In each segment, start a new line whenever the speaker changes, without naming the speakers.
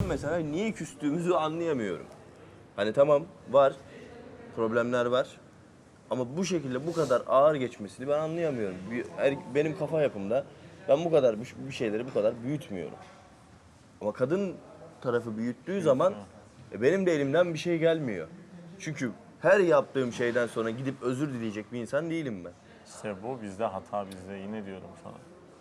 mesela niye küstüğümüzü anlayamıyorum. Hani tamam var, problemler var. Ama bu şekilde bu kadar ağır geçmesini ben anlayamıyorum. Benim kafa yapımda ben bu kadar bir şeyleri bu kadar büyütmüyorum. Ama kadın tarafı büyüttüğü zaman benim de elimden bir şey gelmiyor. Çünkü her yaptığım şeyden sonra gidip özür dileyecek bir insan değilim ben.
İşte bu bizde hata bizde yine diyorum sana.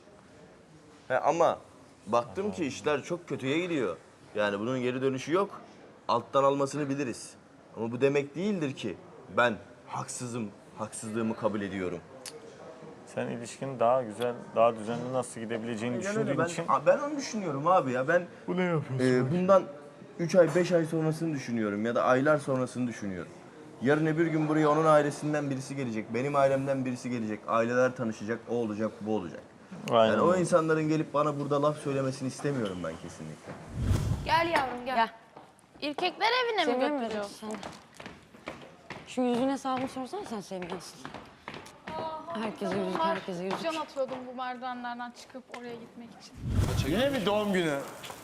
Ama baktım ki işler çok kötüye gidiyor. Yani bunun geri dönüşü yok. Alttan almasını biliriz. Ama bu demek değildir ki ben haksızım, haksızlığımı kabul ediyorum.
Sen ilişkinin daha güzel, daha düzenli nasıl gidebileceğini düşündüğün için...
Ben onu düşünüyorum abi ya. Ben
Bu ne yapıyorsun?
bundan 3 ay, 5 ay sonrasını düşünüyorum ya da aylar sonrasını düşünüyorum. Yarın öbür gün buraya onun ailesinden birisi gelecek, benim ailemden birisi gelecek, aileler tanışacak, o olacak, bu olacak.
Aynen.
Yani o insanların gelip bana burada laf söylemesini istemiyorum ben kesinlikle.
Gel yavrum gel.
Gel.
İrkekler evine mi
Sevmiyor
götürüyor?
musun sen? Şu yüzün hesabını sorsana sen sevmiyorsun. Herkese yüzük, herkese yüzük.
Can atıyordum bu merdivenlerden çıkıp oraya gitmek için.
Yine mi doğum günü?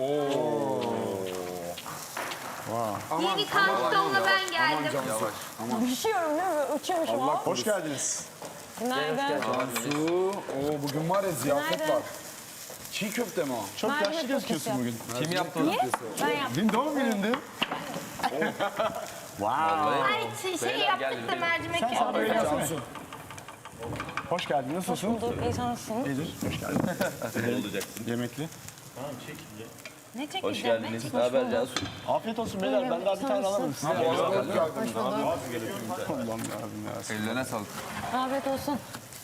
Yeni kantonla ben geldim.
Düşüyorum değil mi? Uçuyormuşum.
Allah hoş geldiniz.
Günaydın.
Su. Bugün var ya ziyafet
Günaydın.
var. Çiğ köfte mi o? Çok
Mercimek
yaşlı gözüküyorsun
köftesi
bugün.
Niye? Ben yaptım.
Dün doğum günündü.
Ay şey yaptık da mercimek yaptık.
Hoş geldin. Nasılsın?
Bulduk. İyi sanırsın.
İyidir. Hoş geldin.
Ne olacaksın?
Yemekli.
Ne çekeceğim?
Hoş geldiniz. Ne haber Cansu?
Afiyet olsun beyler. Ben daha bir tane alamadım. Size Allah'ım yarabbim ya.
Ellerine sağlık.
Afiyet olsun.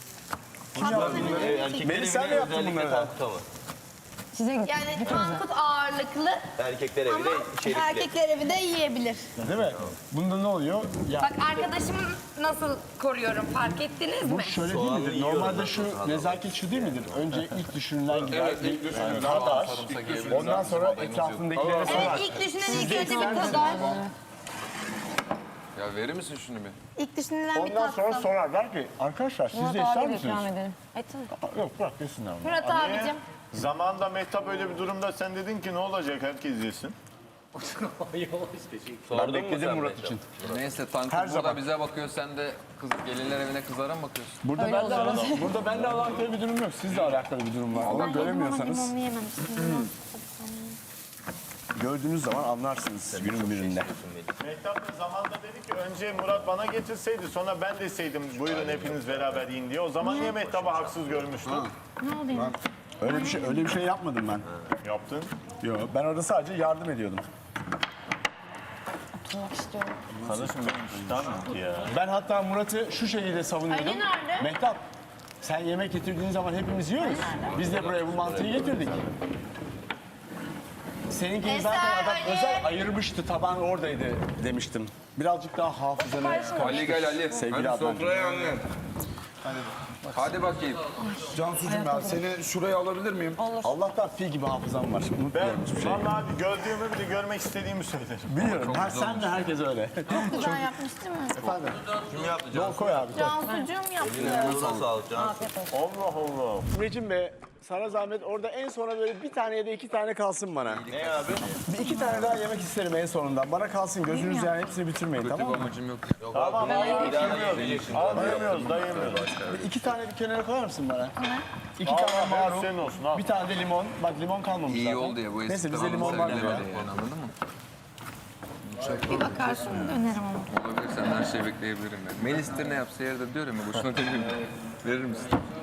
Melis sen mi yaptın bunları?
Tankut ama.
Size gittim.
Yani Tankut ağırlıklı
Erkekler evi de içerikli.
erkekler evi de yiyebilir.
Değil mi? Bunda ne oluyor? Ya
Bak arkadaşımı nasıl koruyorum fark ettiniz mi?
bu şöyle değil midir? Normalde şu nezaket şu değil midir? Önce ilk düşünülen gider. Yani kadar. Ondan sonra etrafındakilere sorar.
Evet ilk düşünen ilk önce bir kadar.
Ya verir misin şunu bir?
İlk düşünülen bir
Ondan sonra
tatsın.
sorarlar ki arkadaşlar siz
Murat
de ister
abi de ikram
misiniz?
edelim. Etsin.
Yok bırak yesinler onu.
Murat abicim.
Zamanında Mehtap öyle bir durumda sen dedin ki ne olacak herkes yesin.
Ben bekledim Murat için.
Neyse Tankut
Her
burada
zaman.
bize bakıyor sen de gelinler evine kızlara mı bakıyorsun?
Burada benimle alakalı bir durum yok. Sizle alakalı bir durum var. Ama göremiyorsanız
Limonlu yememiştim.
gördüğünüz zaman anlarsınız günün birinde.
Mehtap da zamanında dedi ki önce Murat bana getirseydi sonra ben deseydim buyurun hepiniz beraber yiyin diye. O zaman niye Mehtap'ı haksız görmüştün?
Öyle bir şey yapmadım ben.
Yaptın.
Yok ben orada sadece yardım ediyordum.
Oturmak istiyorum.
Kardeşim benim iştahım bitti ya.
Ben hatta Murat'ı şu şekilde savunuyordum.
Ali nerede?
Mehtap sen yemek getirdiğin zaman hepimiz yiyoruz. Biz de buraya bu mantıyı getirdik. Seninkini
Eser,
zaten adam
Ali.
özel ayırmıştı, taban oradaydı demiştim. Birazcık daha hafızanı
Ali gel Ali.
Sevgili
Hadi
Adnan.
sofraya anne. Hadi bakayım.
Cansucuğum ya seni şuraya alabilir miyim?
Allah'tan fil gibi hafızam var.
Ben
Unutmuyorum hiçbir şey.
vallahi abi gördüğümü bir de görmek istediğimi söylerim.
Biliyorum. Sen de herkes öyle.
Güzel yapmış değil mi?
Efendim.
Kim yaptı
Bol
Cansu?
koy abi.
Cansucuğum yaptı.
Eline sağlık Cansu.
Allah Allah.
Mecim Bey, sana zahmet orada en sona böyle bir tane ya da iki tane kalsın bana.
Ne abi?
Bir iki tane daha yemek isterim en sonundan. Bana kalsın gözünüz yani hepsini bitirmeyin tamam mı?
Amacım yok.
Yok abi. Bir daha da yiyeceksin.
Almıyoruz da yemiyoruz.
İki tane bir kenara koyar mısın bana? İki
Al,
tane
hepsi
marul,
senin olsun al.
bir tane de limon. Bak limon kalmamış
İyi
zaten.
oldu ya bu eski.
Neyse bizde limon var.
Yani anladın mı?
Bir bakarsın dönerim ama.
Olabilir sen her şeyi bekleyebilirim ben. Melis'tir ne yapsa yerde diyorum ya boşuna demeyeyim. Verir misin?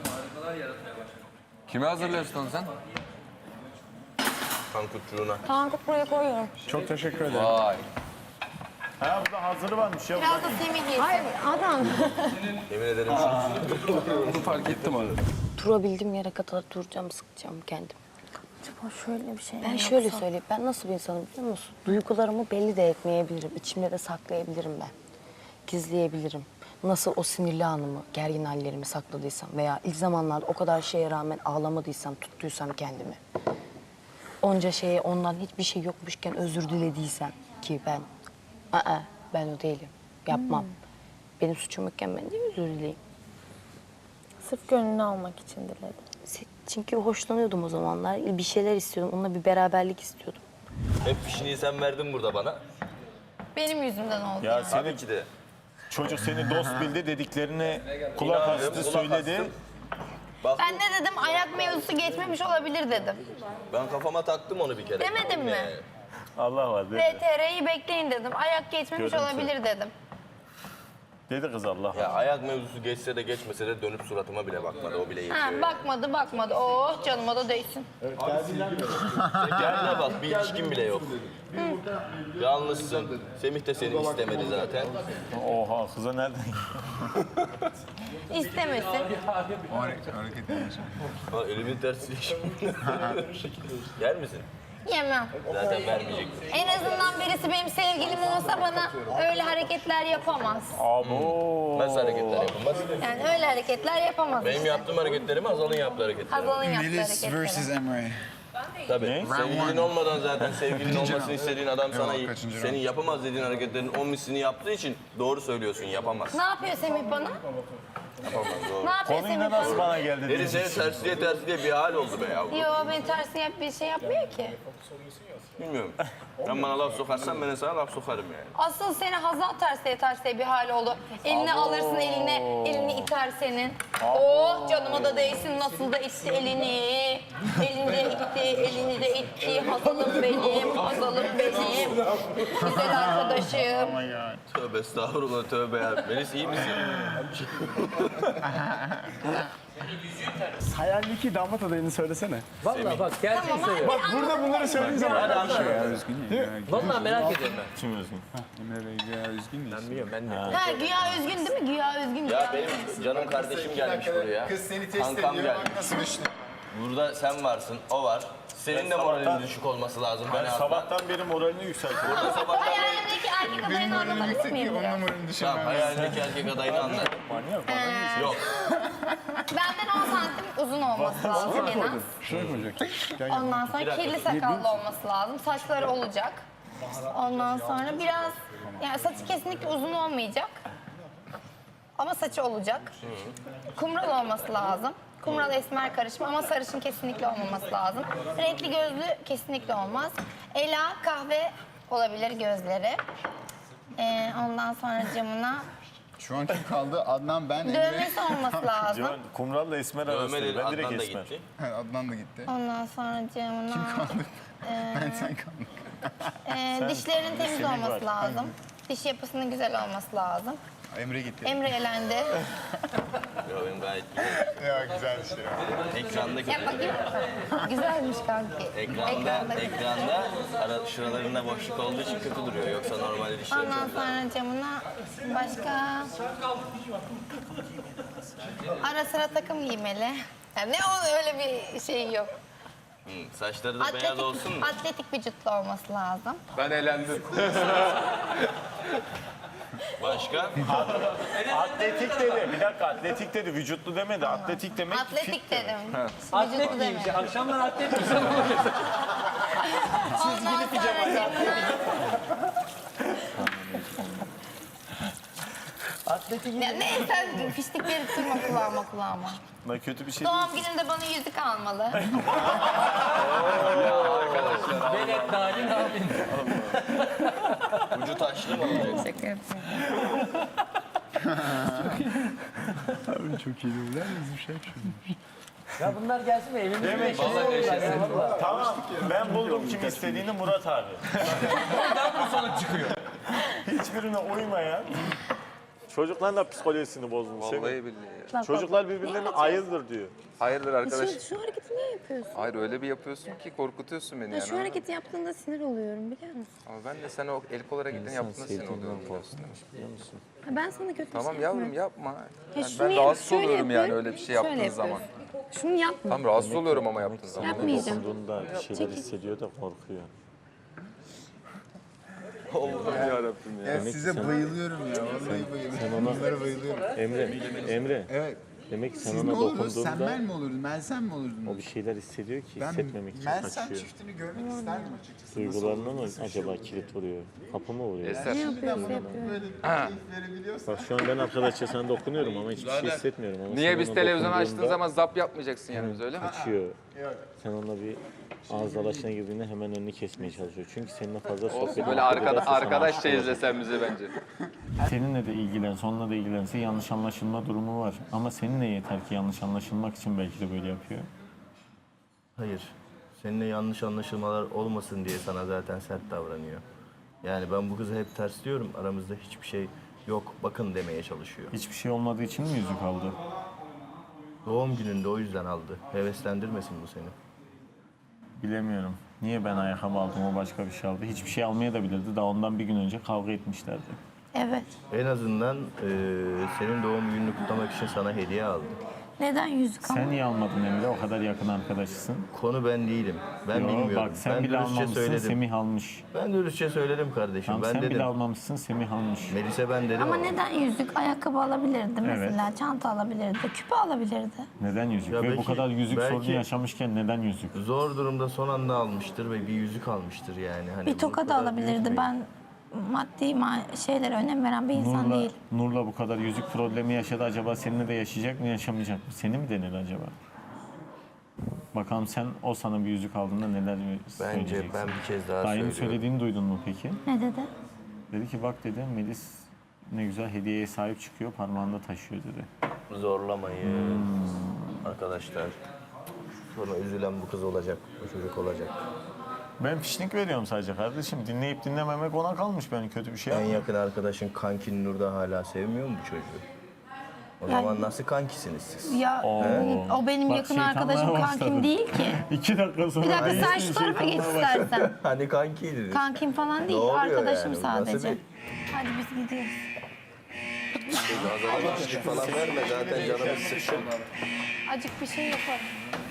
Kime hazırlıyorsun onu sen?
Tankutçuğuna.
Tankut buraya koyuyorum.
Çok teşekkür ederim.
Vay.
Ha burada hazırı varmış ya.
Biraz da Semih yesin.
Hayır adam.
Yemin ederim
Bunu fark ettim abi.
Durabildiğim yere kadar duracağım, sıkacağım kendim.
Acaba şöyle bir şey
Ben şöyle söyleyeyim, ben nasıl bir insanım biliyor musun? Duygularımı belli de etmeyebilirim, içimde de saklayabilirim ben. Gizleyebilirim. Nasıl o sinirli anımı, gergin hallerimi sakladıysam veya ilk zamanlarda o kadar şeye rağmen ağlamadıysam, tuttuysam kendimi. Onca şeye ondan hiçbir şey yokmuşken özür dilediysem ki ben o değilim, yapmam. Benim suçum yokken ben de özür dileyim.
Sırf gönlünü almak için diledim.
Çünkü hoşlanıyordum o zamanlar. Bir şeyler istiyordum. Onunla bir beraberlik istiyordum.
Hep fişini sen verdin burada bana.
Benim yüzümden oldu.
Ya
Tabii
seni
ki de.
çocuk seni dost bildi dediklerine kulak
İnandım,
astı
kulak
söyledi.
astım. Bak,
Ben de dedim ayak mevzusu geçmemiş olabilir dedim.
ben kafama taktım onu bir kere.
Demedim mi?
Yani.
Allah var dedi.
VTR'yi bekleyin dedim. Ayak geçmemiş
Görüntü.
olabilir dedim.
Dedi kız Allah
Ya
var.
ayak mevzusu geçse de geçmese de dönüp suratıma bile bakmadı. O bile
Ha,
yetiyor.
bakmadı. Oh canıma da değsin.
Kendine bak, bir ilişkin bile yok. Yalnızsın. Semih de seni istemedi zaten.
Oha kıza nereden?
İstemesin.
O hareket etmiş.
Ha, elimin tersiyle Yer misin?
Yemem.
Zaten vermeyecek.
En azından birisi benim sevgilim olsa bana öyle hareketler yapamaz.
Abo.
Nasıl hareketler yapılmaz?
Yani öyle hareketler yapamaz.
Benim
işte.
yaptığım hareketleri mi, Hazal'ın yaptığı hareketleri mi?
Hazal'ın yaptığı
Melis
hareketleri.
vs. Emre.
Tabii. Sevgilin olmadan zaten sevgilin olmasını istediğin adam sana
Yok, kaçıncı
senin yapamaz dediğin hareketlerin 10 mislini yaptığı için doğru söylüyorsun, yapamaz.
Ne yapıyor Semih bana?
Yapamaz, doğru.
Ne yapıyor
Konuyu
Semih
nasıl
bana?
bana geldi?
Deri seni tersliye bir hal oldu be yavrum.
Yo beni tersine yap bir şey yapmıyor ki.
Bilmiyorum. Sen bana laf sokarsan ben de sana laf sokarım yani.
Asıl seni Hazal terseye bir hal oldu. Eline alırsın elini iter senin. Oh canıma da değsin nasıl da itti elini. Elini de itti. Hazalım benim. Güzel arkadaşım.
Tövbe estağfurullah, tövbe ya. Melis iyi misin?
Hayalindeki damat adayını söylesene.
Vallahi bak gerçekten söylüyorum.
Bak burada bunları söylediğin zaman.
Vallahi merak ediyorum ben.
Kim üzgün?
Emre Bey ya üzgün değil.
Ben biliyorum ben de.
Ha güya üzgün değil mi? Güya üzgün.
Ya benim canım kardeşim gelmiş buraya.
Kız seni test
Kankam
ediyor.
gelmiş.
Bak nasıl düştü.
Burada sen varsın, o var. Senin de moralin düşük olması lazım.
Ben
Hani
sabahtan beri moralini yükseltiyorum.
Hayalindeki erkek adayını anlatabilir miyim
Onun
biraz?
numaranı
Tamam,
düşünmem.
hayalindeki erkek adayını anlat. Yok.
Benden 10 santim uzun olması lazım en az.
Şuraya koyacaksın.
Ondan sonra kirli sakallı olması lazım. Saçları olacak. Ondan sonra biraz yani saçı kesinlikle uzun olmayacak. Ama saçı olacak. Kumral olması lazım. Kumral esmer karışımı ama sarışın kesinlikle olmaması lazım. Renkli gözlü kesinlikle olmaz. Ela kahve olabilir gözleri. Ondan sonra camına
Şu an kim kaldı? Adnan, ben, Emre.
dövmesi olması lazım.
Civan, Kumral'la Esmer arasında.
Dövmeleri
Ben direkt
Adnan da
Esmer.
gitti.
Adnan da gitti.
Ondan sonra camına
Ben sen kaldın.
dişlerinin temiz
Semih var.
olması lazım. Diş yapısının güzel olması lazım.
Emre gitti.
Emre elendi.
Yok, benim gayet güzel.
Ya güzel bir şey.
Ekrandaki,
Yap bakayım. Güzelmiş kanki.
ekranda şuralarında boşluk olduğu için kötü duruyor. Yoksa normalde dişleri
Ondan
çok güzel.
sonra camına başka... Ara sıra takım giymeli. Yani ne o öyle bir şey yok.
Saçları da beyaz olsun mu?
Atletik vücutlu olması lazım.
Ben eğlendim.
Başka?
Atletik dedi. Bir dakika atletik dedi. Vücutlu demedi. Atletik demek
Atletik dedim.
Atlet
Vücutlu
giymiş.
demedim.
Akşamlar atlet giymiş. Ne oluyor?
Ondan sonra camına... Ya ne sen fiştikleri tutma kulağıma.
Ben kötü bir şey değil.
Doğum günümde bana yüzük almalı.
Velet Narin abin.
Ucu taşlı mı olacak?
Şaka yapıyorum.
Çok iyi değil mi? Bir şey
Ya bunlar gelsin mi? Evimizde
Demek
yaşasın. Vallahi.
Tamam. Ben buldum kim istediğini, Murat abi.
Bu sonuç çıkıyor.
Hiçbirine uymayan. Çocukların da psikolojisini bozmuş.
Vallahi billahi.
Çocuklar birbirlerine ayıldır diyor.
Hayırdır arkadaş?
Şu hareketi niye yapıyorsun?
Hayır öyle bir yapıyorsun ki korkutuyorsun beni yani.
Şu hareketi yaptığında sinir oluyorum biliyor musun?
Ama ben de sen o el kol hareketini yaptığında sinir oluyorum biliyorsun değil mi?
Ben sana kötü bir
Tamam
şey
yavrum
yapmıyorum.
yapma.
Ya
Yani
şunu
ben
yap-
rahatsız
şöyle
oluyorum yani
yapıyorum,
öyle bir şey
şöyle
yaptığın zaman.
yapıyorsun. Şunu yapma.
Tam rahatsız oluyorum ama yaptığın zaman.
Yapmayacağım.
Dokunduğunda bir şeyler hissediyor da korkuyor.
Allah'ım yarabbim ya.
Ya size bayılıyorum ya. Vallahi bayılıyorum. Bunlara bayılıyorum.
Emre.
Evet.
Demek ki sen
Siz
ona
ne olurdunuz?
dokunduğunda
Sen ben mi olurdun? Ben sen mi olurdun?
o bir şeyler hissediyor ki
Ben
hissetmemek için
Melsen
kaçıyor.
çiftini görmek isterdim açıkçası.
Duygularına mı acaba kilit vuruyor? Kapı mı vuruyor?
Eser.
Şimdiden bana böyle bir keyif verebiliyorsa.
Bak şu an ben arkadaşça sana dokunuyorum ama hiçbir şey hissetmiyorum. Ama
Niye
sen
biz
ona
televizyonu açtığın
dokunduğunda
zaman zap yapmayacaksın yani biz öyle mi?
kaçıyor. Sen onunla bir ağız dalaşına girdiğinde hemen önünü kesmeye çalışıyor. Çünkü seninle fazla sohbet
Olsun böyle
ederse sana
arkadaşça
aşık olacak.
izlesen bizi bence.
Seninle de ilgilense, onunla da ilgilense yanlış anlaşılma durumu var. Ama seninle yeter ki yanlış anlaşılmak için belki de böyle yapıyor.
Hayır. Seninle yanlış anlaşılmalar olmasın diye sana zaten sert davranıyor. Yani ben bu kızı hep tersliyorum. Aramızda hiçbir şey yok. Bakın demeye çalışıyor.
Hiçbir şey olmadığı için mi yüzük aldı?
Doğum gününde o yüzden aldı. Heveslendirmesin bu seni.
Bilemiyorum. Niye ben ayakkabı aldım, o başka bir şey aldı. Hiçbir şey almaya da bilirdi. Daha ondan bir gün önce kavga etmişlerdi.
Evet.
En azından senin doğum gününü kutlamak için sana hediye aldı.
Neden yüzük ama?
Sen niye almadın Emre? O kadar yakın arkadaşısın.
Konu ben değilim. Ben
Yo,
bilmiyorum.
bak sen
ben
bile
dürüstçe
almamışsın,
söyledim.
Semih almış.
Ben dürüstçe söyledim kardeşim.
Tamam,
ben
sen
dedim.
bile almamışsın, Semih almış.
Melis'e ben dedim
Ama neden yüzük? Ayakkabı alabilirdi mesela, çanta alabilirdi, küpe alabilirdi.
Neden yüzük?
Ya
Ve bu
belki-
kadar yüzük
belki-
sorunu yaşamışken neden yüzük?
Zor durumda son anda almıştır ve bir yüzük almıştır yani. Hani
Bir toka
bu
da
kadar
alabilirdi.
büyütmeyin.
Ben maddi şeylere önem veren bir insan değil.
Nur'la bu kadar yüzük problemi yaşadı. Acaba seninle de yaşayacak mı, yaşamayacak mı? Seni mi denir acaba? Bakalım sen o sana bir yüzük aldığında neler söyleyeceksin?
Bence ben bir kez daha
Dayının
söylüyorum.
söylediğini duydun mu peki?
Ne dedi?
Dedi ki bak dedi Melis ne güzel hediyeye sahip çıkıyor, parmağında taşıyor dedi.
Zorlamayın arkadaşlar. Sonra üzülen bu kız olacak, bu çocuk olacak.
Ben fişnik veriyorum sadece kardeşim. Dinleyip dinlememek ona kalmış, ben kötü bir şey
En
yapmıyorum.
yakın arkadaşın kankin Nur'da hala sevmiyor mu bu çocuğu? O zaman nasıl kankisiniz siz?
Ya o benim
Bak,
yakın
şeytanlığa
arkadaşım
başladı.
kankim değil ki.
2 dakika sonra...
Bir dakika sen
Ay,
şu tarafa geç
şeytanlığa başladı.
istersen.
Hani kankiydiniz.
Kankim falan değil,
oluyor
arkadaşım
yani? Bu nasıl
sadece.
bir-
Hadi biz gidiyoruz.
Azalmışlık falan verme zaten canımız sıkkın.
Acık bir şey yaparım.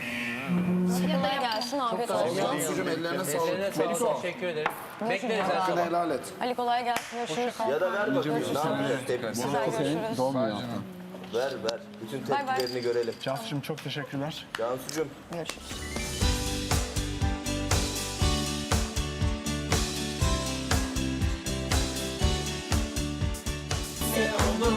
Kolay gelsin, afiyet olsun.
Cansucuğum ellerine sağlık.
Ellerine sağlık. Teşekkür ederim. Bekleriz her
Hakkını
zaman.
helal et.
Ali kolay gelsin, görüşürüz.
Ya da ver bakayım. Ne yapacağız tepkisi?
Görüşürüz.
Doğum günü yaptın.
Ver ver. Bütün
Bay bay.
tepkilerini görelim.
Cansucuğum çok teşekkürler.
Cansucuğum.
Görüşürüz.